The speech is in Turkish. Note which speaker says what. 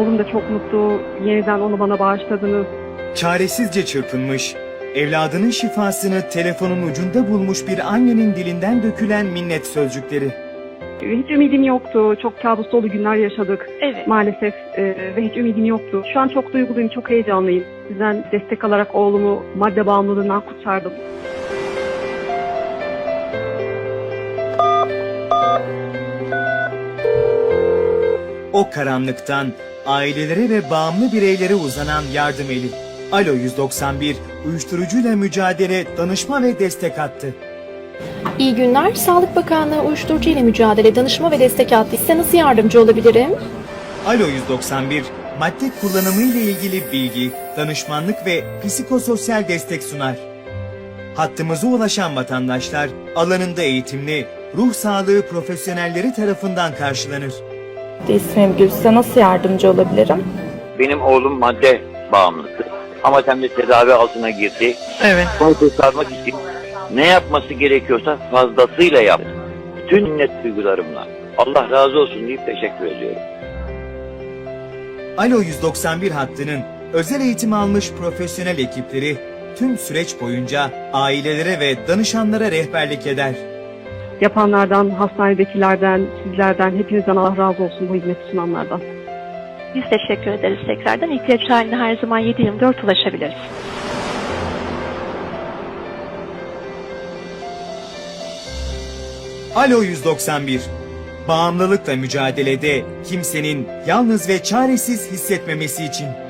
Speaker 1: Oğlum da çok mutlu. Yeniden onu bana bağışladınız.
Speaker 2: Çaresizce çırpınmış, evladının şifasını telefonun ucunda bulmuş bir annenin dilinden dökülen minnet sözcükleri.
Speaker 1: Hiç ümidim yoktu. Çok kabus dolu günler yaşadık.
Speaker 3: Evet.
Speaker 1: Maalesef ve hiç ümidim yoktu. Şu an çok duyguluyum, çok heyecanlıyım. Sizden destek alarak oğlumu madde bağımlılığından kurtardım.
Speaker 2: O karanlıktan ailelere ve bağımlı bireylere uzanan yardım eli. Alo 191, uyuşturucuyla mücadele, danışma ve destek hattı.
Speaker 4: İyi günler. Sağlık Bakanlığı Uyuşturucu ile Mücadele Danışma ve Destek Hattı. Size nasıl yardımcı olabilirim?
Speaker 2: Alo 191, madde kullanımı ile ilgili bilgi, danışmanlık ve psikososyal destek sunar. Hattımıza ulaşan vatandaşlar alanında eğitimli, ruh sağlığı profesyonelleri tarafından karşılanır.
Speaker 5: İsmim Gül. Size nasıl yardımcı olabilirim?
Speaker 6: Benim oğlum madde bağımlısı. Ama hem de tedavi altına girdi.
Speaker 3: Evet.
Speaker 6: Bunu kurtarmak için ne yapması gerekiyorsa fazlasıyla yaptı. Bütün minnet duygularımla. Allah razı olsun deyip teşekkür ediyorum.
Speaker 2: Alo 191 hattının özel eğitim almış profesyonel ekipleri tüm süreç boyunca ailelere ve danışanlara rehberlik eder.
Speaker 1: Yapanlardan, hastanedekilerden, sizlerden, hepinizden Allah razı olsun bu hizmeti sunanlardan.
Speaker 3: Biz teşekkür ederiz tekrardan. İhtiyaç halinde her zaman 7/24 ulaşabiliriz.
Speaker 2: Alo 191, bağımlılıkla mücadelede kimsenin yalnız ve çaresiz hissetmemesi için.